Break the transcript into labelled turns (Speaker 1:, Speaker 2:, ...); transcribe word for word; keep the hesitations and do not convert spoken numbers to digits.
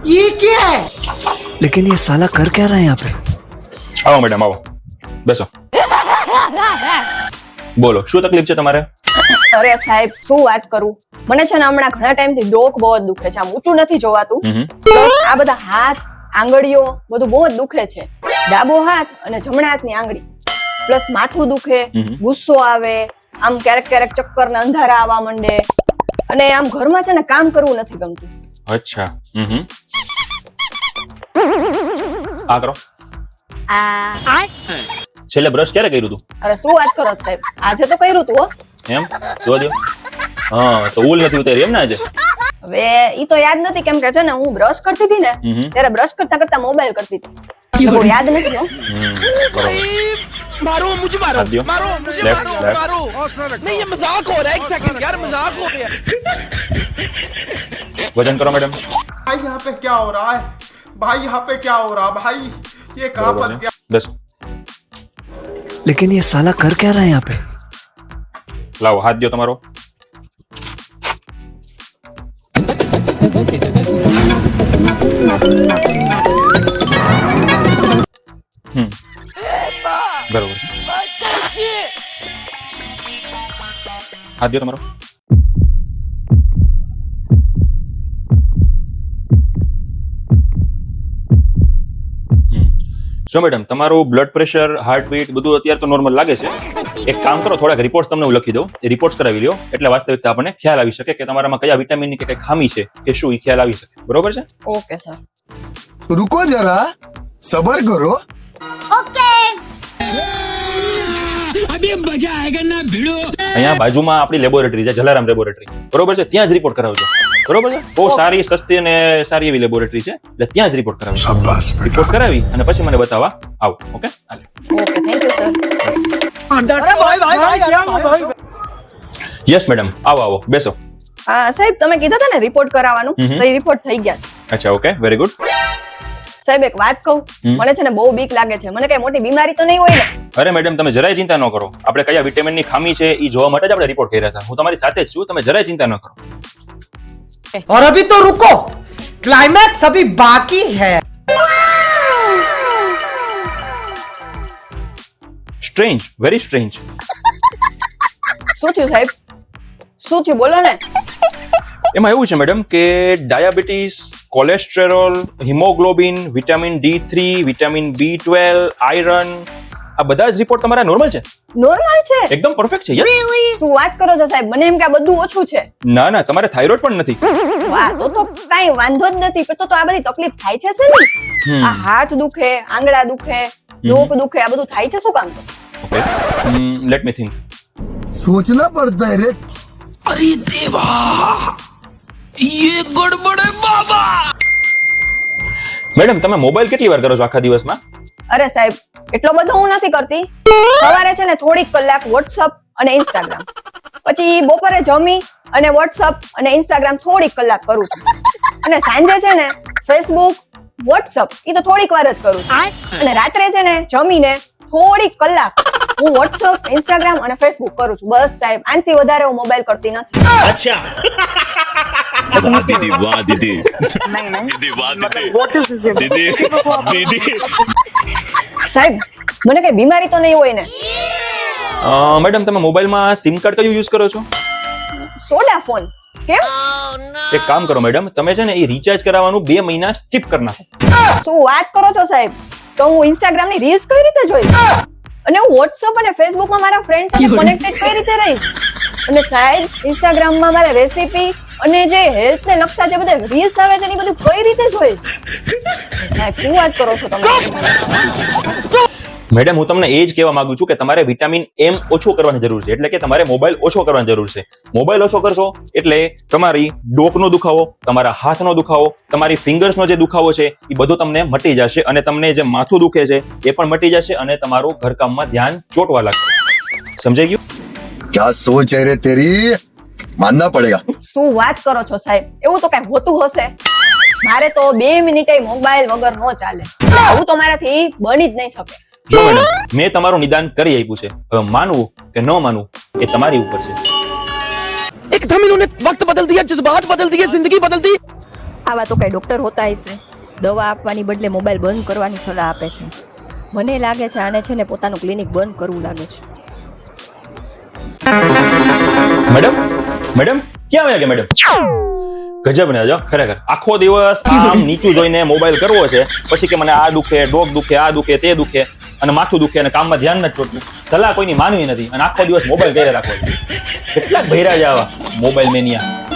Speaker 1: ये क्या है?
Speaker 2: लेकिन ये साला कर क्या रहा है यहाँ पे?
Speaker 3: આવો મેડમ આવો, બેસો. બોલો, શું તકલીફ છે તમારે?
Speaker 4: અરે સાહેબ, શું વાત કરું, મને છે ને હમણાં ઘણા ટાઈમ થી ડોક બહુ જ દુખે છે. આમ ઊંચું નથી જોવાતું. પ્લસ આ બધા હાથ, આંગળીઓ બધું બહુ જ દુખે છે. ડાબો હાથ અને જમણા હાથની આંગળી. પ્લસ માથું દુખે, ગુસ્સો આવે, આમ ક્યારેક ક્યારેક ચક્કર ને અંધારા આવવા માંડે, અને આમ ઘરમાં છે ને કામ કરવું નથી ગમતું.
Speaker 3: અચ્છા. હમ આ કરો.
Speaker 4: આ
Speaker 3: છેલ્લે બ્રશ ક્યારે કર્યું તું?
Speaker 4: અરે શું વાત કરો છો સાહેબ, આજે તો કર્યું તું હો.
Speaker 3: એમ જોવા દો. હા, તો ઉલ નથી ઉતારી એમ ને આજે?
Speaker 4: હવે ઈ તો યાદ નથી, કેમ કે છે ને હું બ્રશ કરતી હતી ને ત્યારે બ્રશ કરતા કરતા મોબાઈલ કરતી હતી, તો યાદ નથી હો.
Speaker 1: मारो मुझे मारो
Speaker 3: हाथ दियो.
Speaker 1: मारो मुझे
Speaker 3: Left,
Speaker 1: मारो
Speaker 3: left.
Speaker 1: मारो नहीं, ये मजाक हो रहा है. एक सेकंड यार, मजाक हो गया.
Speaker 3: વજન કરો મેડમ.
Speaker 5: भाई यहाँ पे क्या हो रहा है? भाई यहाँ पे क्या हो रहा है? भाई ये कहाँ
Speaker 3: બરોબર
Speaker 5: फंस
Speaker 3: છે.
Speaker 5: गया?
Speaker 3: બેસો.
Speaker 2: लेकिन ये साला कर क्या रहा है यहाँ पे?
Speaker 3: લાવો હાથ દો તમારો. હમ બરોબર છે. હાથ દો તમારો. જો મેડમ, તમારું બ્લડ પ્રેશર, હાર્ટબીટ બધું અત્યારે તો નોર્મલ લાગે છે. એક કામ કરો, થોડાક રિપોર્ટ્સ તમને હું લખી દઉં, એ રિપોર્ટ્સ કરાવી લ્યો, એટલે વાસ્તવિકતા આપણને ખ્યાલ આવી શકે કે તમારામાં કયા વિટામિનની કે કઈ ખામી છે કે શું, એ ખ્યાલ આવી શકે. બરોબર છે?
Speaker 4: Okay sir.
Speaker 6: रुको जरा सबर करो.
Speaker 1: अभी मजा आएगा ना भिड़ो.
Speaker 3: અહીંયા બાજુમાં આપણી લેબોરેટરી છે, જલારામ લેબોરેટરી. બરોબર છે? ત્યાં જ રિપોર્ટ કરાવજો. બરોબર છે? બહુ સારી, સસ્તી અને સારી એવી લેબોરેટરી છે, એટલે ત્યાં જ રિપોર્ટ કરાવજો. રિપોર્ટ કરાવી અને પછી મને બતાવવા આવો. ઓકે? હાલે.
Speaker 4: Okay, thank you sir.
Speaker 3: Yes madam, આવો આવો, બેસો.
Speaker 4: હા સાહેબ, તમે કીધા હતા ને રિપોર્ટ કરાવવાનું, તો એ રિપોર્ટ થઈ ગયા છે.
Speaker 3: અચ્છા, ઓકે, વેરી ગુડ.
Speaker 4: સાહેબ એક વાત કહું, મને છે ને બહુ બીક લાગે છે. મને કઈ મોટી બીમારી તો નહીં હોય ને?
Speaker 3: અરે મેડમ, તમે જરાય ચિંતા ન કરો. આપણે કયા વિટામિનની ખામી છે એ જોવા માટે જ આપણે રિપોર્ટ કર્યા હતા. હું તમારી સાથે જ છું, તમે જરાય ચિંતા ન કરો.
Speaker 1: और अभी तो रुको, क्लाइमैक्स अभी बाकी है.
Speaker 3: Strange, very strange.
Speaker 4: શું થયું સાહેબ? શું થયું બોલો ને.
Speaker 3: એમાં એવું છે મેડમ કે diabetes, cholesterol, haemoglobin, vitamin D three, vitamin B twelve, iron, આ બધા જ રિપોર્ટ તમારા નોર્મલ છે.
Speaker 4: નોર્મલ છે?
Speaker 3: એકદમ પરફેક્ટ છે. યસ.
Speaker 4: શું વાત કરો છો સાહેબ, મને એમ કે આ બધું ઓછું છે.
Speaker 3: ના ના, તમારે થાઇરોઇડ પણ નથી.
Speaker 4: વાહ, તો તો કઈ વાંધો જ નથી. પણ તો તો આ બધી તકલીફ થાય છે છે ને? આ હાથ દુખે, આંગળા દુખે, ડોક દુખે, આ બધું થાય છે શું કામ?
Speaker 3: Okay, let me think.
Speaker 6: सोचना पड़ता है रे.
Speaker 1: अरे देवा, ये गड़बड़ है बाबा.
Speaker 3: મેડમ, તમે મોબાઈલ કેટલી વાર કરો છો આખા દિવસમાં?
Speaker 4: અરે સાહેબ, એટલો બધો હું નથી કરતી. સવારે છે ને થોડીક કલાક વોટ્સઅપ અને ઇન્સ્ટાગ્રામ, પછી બપોરે જમી અને વોટ્સઅપ અને ઇન્સ્ટાગ્રામ થોડીક કલાક કરું છું, અને સાંજે છે ને ફેસબુક, વોટ્સઅપ એ તો થોડીક વાર જ કરું છું, અને રાત્રે છે ને જમીને થોડીક કલાક હું વોટ્સઅપ, ઇન્સ્ટાગ્રામ અને ફેસબુક કરું છું. બસ સાહેબ, આનાથી વધારે હું મોબાઈલ કરતી નથી.
Speaker 7: अच्छा वाह दीदी वाह दीदी दीदी वाह दीदी दीदी दीदी
Speaker 4: સાહેબ, મને કઈ બીમારી તો નહીં હોય ને?
Speaker 3: મેડમ, તમે મોબાઈલમાં સિમ કાર્ડ કયું યુઝ કરો છો?
Speaker 4: સોડા ફોન. કેમ?
Speaker 3: એક કામ કરો મેડમ, તમે છે ને એ રિચાર્જ કરાવવાનું બે મહિના સ્કીપ કરી નાખો.
Speaker 4: શું વાત કરો છો સાહેબ? તો હું ઇન્સ્ટાગ્રામ ની રીલ્સ કઈ રીતે જોઈશ? અને હું વોટ્સઅપ અને ફેસબુક માં મારા ફ્રેન્ડ સાથે કનેક્ટેડ કઈ રીતે રહીશ? અને સાહેબ, ઇન્સ્ટાગ્રામ માં મારે રેસીપી અને જે હેલ્થ ને લગતા જે બધા રીલ્સ આવે છે એ બધું કઈ રીતે જોઈશ? સાહેબ, શું વાત કરો છો તમે?
Speaker 3: મેડમ, હું તમને એ જ કહેવા માંગુ છું કે તમારે વિટામિન એમ ઓછો કરવાની જરૂર છે, એટલે કે તમારે મોબાઈલ ઓછો કરવાની જરૂર છે. મોબાઈલ ઓછો કરશો એટલે તમારી ડોકનો દુખાવો, તમારા હાથનો દુખાવો, તમારી ફિંગર્સનો જે દુખાવો છે એ બધો તમને મટી જશે, અને તમને જે માથું દુખે છે એ પણ મટી જશે, અને તમારું ઘરકામમાં ધ્યાન ચોટવા લાગશે. સમજાઈ ગયું?
Speaker 6: क्या सोच है रे तेरी, मानना पड़ेगा.
Speaker 4: શું વાત કરો છો સાહેબ? એવું તો કઈ હોતું હશે? મારે તો બે મિનિટે મોબાઈલ વગર નો ચાલે. આવું તો મારાથી બની જ નહીં શકે.
Speaker 3: જો મેડમ, મેં તમારું નિદાન કરી આપ્યું છે. હવે માનવું કે ન માનવું એ તમારી ઉપર છે.
Speaker 1: एकदम इन्होंने वक्त बदल दिया, जज्बात बदल दिए, जिंदगी बदल दी.
Speaker 4: આવા તો કઈ ડોક્ટર હોતા હશે, દવા આપવાની બદલે મોબાઈલ બંધ કરવાની સલાહ આપે છે. મને લાગે છે આને છે ને પોતાનું ક્લિનિક બંધ કરવું લાગે છે.
Speaker 3: મેડમ મેડમ ક્યાં આવ્યા કે મેડમ? ગજબ ને જો ખરેખર આખો દિવસ આમ નીચું જોઈને મોબાઈલ કરવો છે, પછી કે મને આ દુખે, ડોક દુખે, આ દુખે, તે દુખે અને માથું દુખે અને કામમાં ધ્યાન નથી ચોટતું. સલાહ કોઈની માનવી નથી અને આખો દિવસ મોબાઈલ ઘરે રાખવો છે. કેટલાક ભૈરા છે આવા મોબાઈલ મેનિયા.